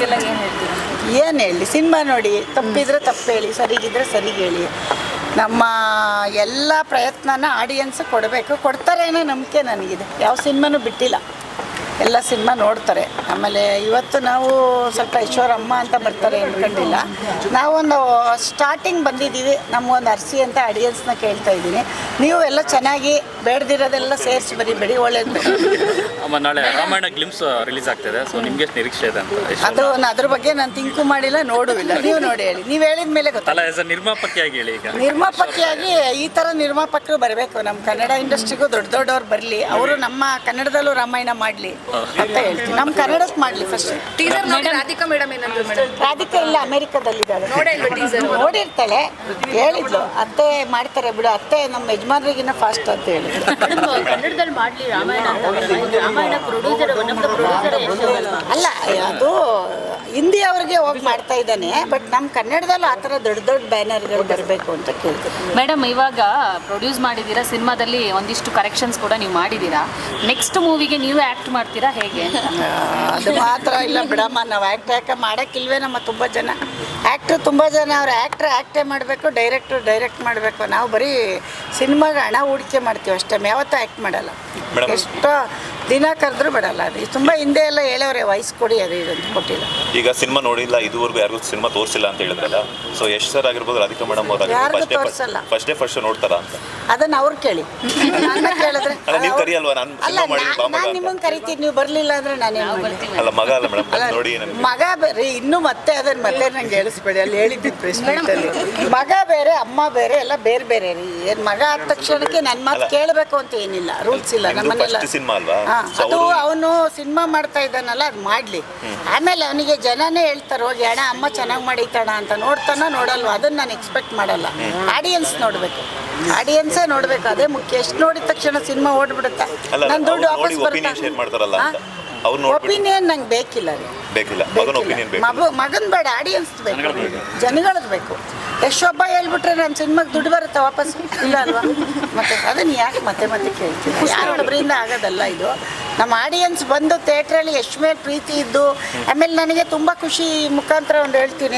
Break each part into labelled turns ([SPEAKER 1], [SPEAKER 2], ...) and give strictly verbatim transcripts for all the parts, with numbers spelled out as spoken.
[SPEAKER 1] ಅವ್ರಿಗೆಲ್ಲ ಏನು ಹೇಳ್ತೀರಾ?
[SPEAKER 2] ಏನು ಹೇಳಿ, ಸಿನಿಮಾ ನೋಡಿ, ತಪ್ಪಿದ್ರೆ ತಪ್ಪು ಹೇಳಿ, ಸರಿಗಿದ್ರೆ ಸರಿಗೆ ಹೇಳಿ. ನಮ್ಮ ಎಲ್ಲ ಪ್ರಯತ್ನನ ಆಡಿಯನ್ಸ್ ಕೊಡಬೇಕು, ಕೊಡ್ತಾರೆ ಅನ್ನೋ ನಂಬಿಕೆ ನನಗಿದೆ. ಯಾವ ಸಿನಿಮಾನೂ ಬಿಟ್ಟಿಲ್ಲ, ಎಲ್ಲ ಸಿನಿಮಾ ನೋಡ್ತಾರೆ. ಆಮೇಲೆ ಇವತ್ತು ನಾವು ಸ್ವಲ್ಪ ಈಶ್ವರಮ್ಮ ಅಂತ ಬರ್ತಾರೆ ಅಂದ್ಕೊಂಡಿಲ್ಲ, ನಾವೊಂದು ಸ್ಟಾರ್ಟಿಂಗ್ ಬಂದಿದ್ದೀವಿ, ನಮಗೊಂದು ಅರ್ಸಿ ಅಂತ ಆಡಿಯನ್ಸ್ನ ಕೇಳ್ತಾ ಇದ್ದೀನಿ. ನೀವು ಎಲ್ಲ ಚೆನ್ನಾಗಿ ಬೇಡದಿರೋದೆಲ್ಲ ಸೇರಿಸಿ ಬರೀಬೇಡಿ, ಒಳ್ಳೇದು.
[SPEAKER 3] ಅಮ್ಮ ನಾಳೆ ರಾಮಾಯಣ ಗ್ಲಿಮ್ಸ್ ರಿಲೀಸ್ ಆಗ್ತಿದೆ, ಸೊ ನಿಮ್ಗೆ ಎಷ್ಟು ನಿರೀಕ್ಷೆ ಇದೆ ಅಂತ?
[SPEAKER 2] ಅದು ಅದ್ರ ಬಗ್ಗೆ ನಾನು ತಿಂಕು ಮಾಡಿಲ್ಲ, ನೋಡುವಿಲ್ಲ. ನೀವು ನೋಡಿ ಹೇಳಿ, ನೀವು ಹೇಳಿದ ಮೇಲೆ ಗೊತ್ತಲ್ಲ.
[SPEAKER 3] ಆಸ್ ಅ ನಿರ್ಮಾಪಕಿಯಾಗಿ ಹೇಳಿ. ಈಗ
[SPEAKER 2] ನಿರ್ಮಾಪಕಿಯಾಗಿ ಈ ಥರ ನಿರ್ಮಾಪಕರು ಬರಬೇಕು, ನಮ್ಮ ಕನ್ನಡ ಇಂಡಸ್ಟ್ರಿಗೂ ದೊಡ್ಡ ದೊಡ್ಡವ್ರು ಬರಲಿ, ಅವರು ನಮ್ಮ ಕನ್ನಡದಲ್ಲೂ ರಾಮಾಯಣ ಮಾಡಲಿ ಅಂತ ಹೇಳ್ತೀನಿ. ನಮ್ಮ ಕನ್ನಡಕ್ಕೆ ಮಾಡಲಿ ಫಸ್ಟ್.
[SPEAKER 1] ಟೀಸರ್ ನೋಡಿ ರಾಧಿಕಾ ಮೇಡಮ್ ಏನಂದ್ರು ಮೇಡಮ್?
[SPEAKER 2] ರಾಧಿಕಾ ಇಲ್ಲ, ಅಮೆರಿಕದಲ್ಲಿದ್ದಾಳೆ.
[SPEAKER 1] ಟೀಸರ್
[SPEAKER 2] ನೋಡಿರ್ತಾಳೆ, ಹೇಳಿದ್ಲು ಅತ್ತೆ ಮಾಡ್ತಾರೆ ಬಿಡು, ಅತ್ತೆ ನಮ್ಮ ಯಜಮಾನ್ರಿಗಿನ್ನ ಫಾಸ್ಟ್ ಅಂತ ಹೇಳಿ.
[SPEAKER 1] ಕನ್ನಡದಲ್ಲಿ ಮಾಡಲಿ ರಾಮಾಯಣ ಅಂತ. Ramayana producer one of the producer
[SPEAKER 2] ಅಲ್ಲ, ಅದು ಹಿಂದಿ ಅವ್ರಿಗೆ ಹೋಗಿ ಮಾಡ್ತಾ ಇದ್ದಾನೆ, ಬಟ್ ನಮ್ಮ ಕನ್ನಡದಲ್ಲೂ ಆ ಥರ ದೊಡ್ಡ ದೊಡ್ಡ ಬ್ಯಾನರ್ಗಳು ಬರಬೇಕು ಅಂತ ಕೇಳ್ತೀನಿ.
[SPEAKER 4] ಮೇಡಮ್, ಇವಾಗ ಪ್ರೊಡ್ಯೂಸ್ ಮಾಡಿದ್ದೀರಾ, ಸಿನಿಮಾದಲ್ಲಿ ಒಂದಿಷ್ಟು ಕರೆಕ್ಷನ್ಸ್ ಕೂಡ ನೀವು ಮಾಡಿದ್ದೀರಾ. ನೆಕ್ಸ್ಟ್ ಮೂವಿಗೆ ನೀವು ಆ್ಯಕ್ಟ್ ಮಾಡ್ತೀರಾ ಹೇಗೆ?
[SPEAKER 2] ಅದು ಮಾತ್ರ ಇಲ್ಲ ಬಿಡಮ್ಮ, ನಾವು ಆ್ಯಕ್ಟ್ ಯಾಕೆ ಮಾಡೋಕ್ಕಿಲ್ವೇ? ನಮ್ಮ ತುಂಬ ಜನ ಆ್ಯಕ್ಟ್ರು ತುಂಬ ಜನ ಅವ್ರು ಆ್ಯಕ್ಟ್ರ್ ಆ್ಯಕ್ಟೇ ಮಾಡಬೇಕು, ಡೈರೆಕ್ಟ್ರು ಡೈರೆಕ್ಟ್ ಮಾಡಬೇಕು. ನಾವು ಬರೀ ಸಿನಿಮಾಗೆ ಹಣ ಹೂಡಿಕೆ ಮಾಡ್ತೀವಿ ಅಷ್ಟೇ, ಯಾವತ್ತೂ ಆ್ಯಕ್ಟ್ ಮಾಡಲ್ಲ. ಎಷ್ಟೋ ದಿನ ಕರೆದ್ರೂ ಬಿಡಲ್ಲ. ಅದು ತುಂಬ ಹಿಂದೆ ಎಲ್ಲ ಹೇಳೋರೆ, ವಯಸ್ಸು ಕೊಡಿ, ಅದು ಇದಂತ ಕೊಟ್ಟಿಲ್ಲ.
[SPEAKER 5] ಈಗ ಸಿನಿಮಾ ನೋಡಿಲ್ಲ, ಇದುವರೆಗೂ ಯಾರಿಗೂ ಸಿನಿಮಾ ತೋರಿಸಿಲ್ಲ ಅಂತ ಹೇಳಿದ್ರಲ್ಲ, ಸೊ ಎಷ್ಟು ಸರ್ ಆಗಿರ್ಬೋದು, ರಾಧಿಕಾ ಮೇಡಮ್
[SPEAKER 2] ಯಾರಿಗೂ ತೋರಿಸಲ್ಲ.
[SPEAKER 5] ಫಸ್ಟ್ ಡೇ ಫಸ್ಟ್ ನೋಡ್ತಾರ ಅಂತ
[SPEAKER 2] ಅದನ್ನ ಅವ್ರು ಕೇಳಿ, ನನ್ನ ಕೇಳಿದ್ರೆ.
[SPEAKER 5] ನೀವು ಕರಿಯಲ್ವಾ? ನಾನು
[SPEAKER 2] ಅಲ್ಲ, ನಾನು ನಿಮ್ಮನ್ನು ಕರಿತೀನಿ, ನೀವು ಬರಲಿಲ್ಲ ಅಂದರೆ ನಾನೇನು ಮಾಡ್ತೀನಿ?
[SPEAKER 5] ಅಲ್ಲ, ಮಗ ಅಲ್ಲ ಮೇಡಮ್, ನೋಡಿ
[SPEAKER 2] ಮಗ ಬೇರೆ, ಇನ್ನೂ ಮತ್ತೆ ಅದನ್ನ ಮತ್ತೆ ನಂಗೆ ಹೇಳಿಸ್ಬೇಡಿ, ಅಲ್ಲಿ ಹೇಳಿದ್ದು ಪ್ರೆಸ್ ಮೀಟಲ್ಲಿ. ಮಗ ಬೇರೆ, ಅಮ್ಮ ಬೇರೆ, ಎಲ್ಲ ಬೇರೆ ಬೇರೆ ರೀ. ಏನು ಮಗ ಆದ ತಕ್ಷಣಕ್ಕೆ ನನ್ನ ಮಾತು ಕೇಳಬೇಕು ಅಂತ ಏನಿಲ್ಲ, ರೂಲ್ಸ್ ಇಲ್ಲ ನಮ್ಮನೆಲ್ಲ.
[SPEAKER 5] ಸಿನಿಮಾ ಅಲ್ವಾ?
[SPEAKER 2] ಅದು ಅವನು ಸಿನಿಮಾ ಮಾಡ್ತಾ ಇದ್ದಾನಲ್ಲ, ಅದು ಮಾಡಲಿ. ಆಮೇಲೆ ಅವನಿಗೆ ಜನನೇ ಹೇಳ್ತಾರೆ, ಹೋಗಿ ಅಣ್ಣ ಅಮ್ಮ ಚೆನ್ನಾಗಿ ಮಾಡೈತಣ ಅಂತ. ನೋಡ್ತಾನೋ ನೋಡಲ್ವ, ಅದನ್ನು ನಾನು ಎಕ್ಸ್ಪೆಕ್ಟ್ ಮಾಡಲ್ಲ. ಆಡಿಯನ್ಸ್ ನೋಡಬೇಕು, ಆಡಿಯನ್ಸೇ ನೋಡಬೇಕು, ಅದೇ ಮುಖ್ಯ. ಎಷ್ಟು ನೋಡಿದ ತಕ್ಷಣ ಸಿನಿಮಾ ಓಡ್ಬಿಡುತ್ತಾ? ನನ್ನ ದುಡ್ಡು ವಾಪಸ್ ಬರುತ್ತಾ? ಒಪಿನಿಯನ್ ನಂಗೆ ಬೇಕಿಲ್ಲ ರೀ,
[SPEAKER 5] ಬೇಕಿಲ್ಲ.
[SPEAKER 2] ಮಗು ಮಗನ್ ಬೇಡ, ಆಡಿಯನ್ಸ್ ಬೇಕು, ಜನಗಳದ್ದು ಬೇಕು. ಎಷ್ಟೊಬ್ಬ ಹೇಳ್ಬಿಟ್ರೆ ನನ್ನ ಸಿನಿಮಾಗೆ ದುಡ್ಡು ಬರುತ್ತೆ ವಾಪಸ್, ಇಲ್ಲ ಅಲ್ವಾ? ಮತ್ತೆ ಅದನ್ನು ಯಾಕೆ ಮತ್ತೆ ಮತ್ತೆ ಕೇಳ್ತೀನಿ? ಯಾರೊಬ್ಬರಿಂದ ಆಗೋದಲ್ಲ ಇದು. ನಮ್ಮ ಆಡಿಯನ್ಸ್ ಬಂದು ಥಿಯೇಟ್ರಲ್ಲಿ ಎಷ್ಟು ಮೇಲೆ ಪ್ರೀತಿ ಇದ್ದು, ಆಮೇಲೆ ನನಗೆ ತುಂಬ ಖುಷಿ ಮುಖಾಂತರ ಒಂದು ಹೇಳ್ತೀನಿ,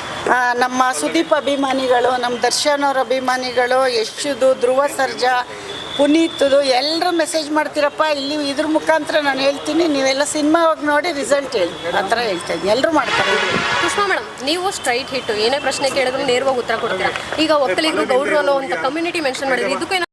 [SPEAKER 2] ನಮ್ಮ ಸುದೀಪ್ ಅಭಿಮಾನಿಗಳು, ನಮ್ಮ ದರ್ಶನ್ ಅವ್ರ ಅಭಿಮಾನಿಗಳು, ಯಶುದು, ಧ್ರುವ ಸರ್ಜಾ, ಪುನೀತ್ದು ಎಲ್ಲರೂ ಮೆಸೇಜ್ ಮಾಡ್ತೀರಪ್ಪ. ಇಲ್ಲಿ ಇದ್ರ ಮುಖಾಂತರ ನಾನು ಹೇಳ್ತೀನಿ, ನೀವೆಲ್ಲ ಸಿನಿಮಾ ಹೋಗಿ ನೋಡಿ ರಿಸಲ್ಟ್ ಹೇಳಿ, ಆ ಥರ ಹೇಳ್ತಾ ಇದ್ದೀನಿ. ಎಲ್ಲರೂ ಮಾಡ್ತಾರೆ.
[SPEAKER 6] ಸುಷ್ಮಾ ಮೇಡಮ್, ನೀವು ಸ್ಟ್ರೈಟ್ ಹಿಟ್ಟು, ಏನೇ ಪ್ರಶ್ನೆ ಕೇಳಿದ್ರು ನೇರವಾಗಿ ಉತ್ತರ ಕೊಡ್ತೀರಾ. ಈಗ ಒಕ್ಕಲಿಗರು, ಗೌಡ್ರು ಅನ್ನೋ ಅಂತ ಕಮ್ಯುನಿಟಿ ಮೆನ್ಷನ್ ಮಾಡಿದ್ರೆ ಇದಕ್ಕೂ